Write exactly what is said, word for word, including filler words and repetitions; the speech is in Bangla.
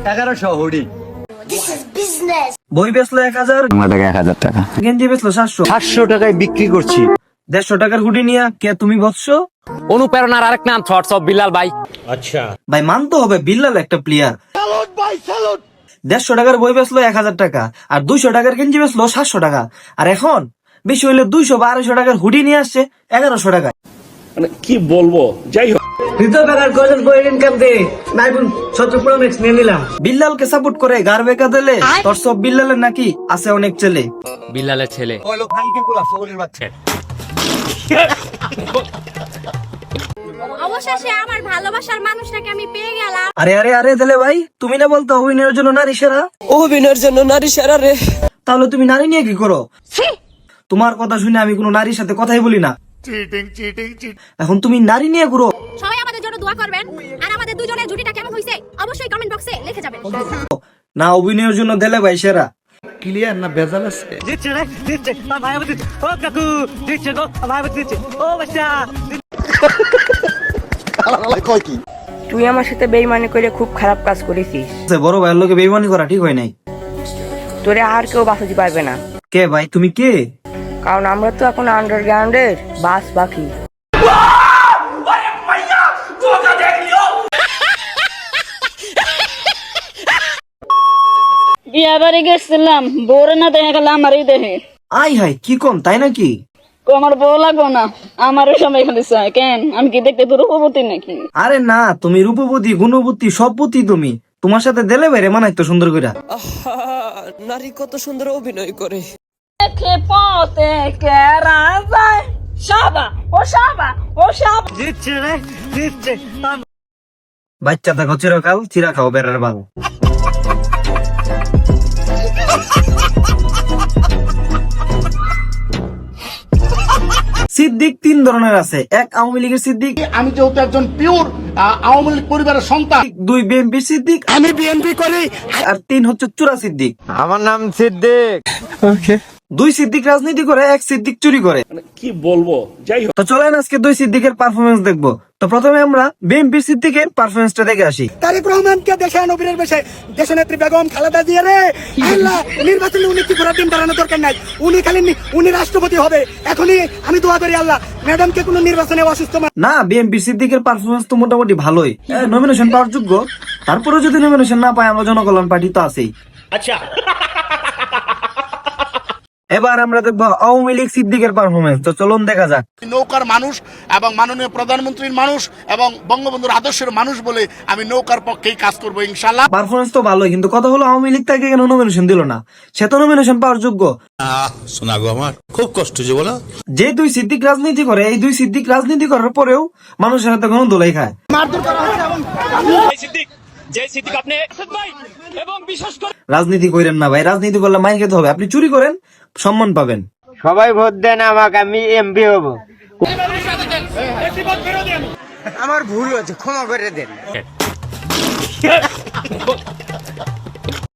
এগারোশো হুডি। বই বেচলো এক হাজার, এক হাজার টাকা। গেঞ্জি বেচলো সাতশো, সাতশো টাকায় বিক্রি করছি। দেড়শো টাকার হুডি নিয়ে কে তুমি বসছো? অনুপ্রেরণার আরেক নাম থটস অফ বিল্লাল ভাই। আচ্ছা ভাই মানতে হবে বিল্লাল একটা প্লেয়ার। দেড়শো টাকার বই বেচলো এক হাজার টাকা, আর দুইশো টাকার গেঞ্জি বেচলো সাতশো টাকা, আর এখন বেশি হইলে দুইশো বা আড়াইশো টাকার হুডি নিয়ে আসছে এগারোশো টাকা। মানে কি বলবো, যাই হোক। বিল্লালকে সাপোর্ট করে গার বেকা দিলে তোর সব বিল্লালের নাকি আছে অনেক ছেলে। বিল্লালের ছেলে অবশেষে আমার ভালোবাসার মানুষটাকে আমি পেয়ে গেলাম। আরে আরে আরে দিলে ভাই, তুমি না বলতো অভিনয়ের জন্য নারী সেরা? অভিনয়ের জন্য নারী সেরা রে। তাহলে তুমি নারী নিয়ে কি করো? তোমার কথা শুনে আমি কোনো নারীর সাথে কথাই বলি না। এখন তুমি নারী নিয়ে ঘুরো। সবাই আমাদের জন্য দোয়া করবেন, আর আমাদের দুজনের জুটিটা কেমন হইছে অবশ্যই কমেন্ট বক্সে লিখে যাবেন। না অভিনয়ের জন্য দিলে ভাই সেরা। ক্লিয়ার না ভেজাল আছে? তুই আমার সাথে বেইমানি করে খুব খারাপ কাজ করেছিস। বড় ভাইয়ের লোকে বেইমানি করা ঠিক হয় নাই। তোরে আর কেউ বাঁচাতে পারবে না। কে ভাই তুমি কে? কারণ আমরা তো এখন আন্ডারগ্রাউন্ডের বাস পাখি। বিয়া বাড়ি গেছিলাম, বউরে না দেখা গেল আমারই দেহে। আই হাই কি কম তাই নাকি? আমার বউ লাগবো না, আমারও সবাই খালি চায়। কেন আমি কি দেখতে তোর রূপবতী নাকি? আরে না, তুমি রূপবতী গুণবতী সববতী। তুমি তোমার সাথে দিলে বাইরে মানাই তো সুন্দর করে। নারী কত সুন্দর অভিনয় করে। দেখে পথে কেরা যায়, সাবা ও সাবা ও সাবা। বাচ্চা থাকো চিরকাল, চিরা খাও বেড়ার বাল। সিদ্দিক তিন ধরনের আছে। এক আওয়ামী লীগের সিদ্দিক, আমি যেহেতু একজন পিওর আওয়ামী লীগ পরিবারের সন্তান। দুই বিএনপি সিদ্দিক, আমি বিএনপি করি। আর তিন হচ্ছে চুরা সিদ্দিক। আমার নাম সিদ্দিক। দুই সিদ্দিক রাজনীতি করে, এক সিদ্দিক চুরি করে। কি বলবো, যাই হোক। তো চলেন আজকে দুই সিদ্দিকের পারফরমেন্স দেখবো। তো প্রথমে আমরা বিএনপি সিদ্দিকের পারফরমেন্সটা দেখে আসি। তারেক রহমানকে দেশে নবীরের বেশে দেশনেত্রী বেগম খালেদা জিয়া রে আল্লাহ নির্বাচনে উনি কি ঘোরার দিন দাঁড়ানো দরকার নাই। উনি খালি উনি রাষ্ট্রপতি হবে। এখনই আমি দোয়া করি আল্লাহ ম্যাডামকে কোনো নির্বাচনে অসুস্থ না, বিএনপি সিদ্দিকের পারফরমেন্স তো মোটামুটি ভালোই, নমিনেশন পাওয়ার যোগ্য। তারপরে যদি নমিনেশন না পায়, আমরা জনকল্যাণ পার্টি তো আছেই। আচ্ছা, এবার আমরা দেখবো আওয়ামী লীগ সিদ্দিকের পারফরমেন্স। তো চলুন দেখা যাক। নৌকার মানুষ এবং মাননীয় প্রধানমন্ত্রীর মানুষ এবং বঙ্গবন্ধুর আদর্শের মানুষ বলে আমি নৌকার পক্ষেই কাজ করবো ইনশাল্লাহ। পারফরমেন্স তো ভালোই, কিন্তু কথা হলো আওয়ামী লীগ তাকে কেন নমিনেশন দিল না? সে তো নমিনেশন পাওয়ার যোগ্য। শোনা গো, আমার খুব কষ্ট যে বলো। যে দুই সিদ্দিক রাজনীতি করে, এই দুই সিদ্দিক রাজনীতি করার পরেও মানুষের হাতে কোনো দোলাই খায়। রাজনীতি করেন না ভাই, রাজনীতি করলে মাইর খেতে হবে। আপনি চুরি করেন, সম্মান পাবেন। সবাই ভোট দেন আমাকে, আমি এমপি হব। আমার ভুল হয়েছে, ক্ষমা করে দেন।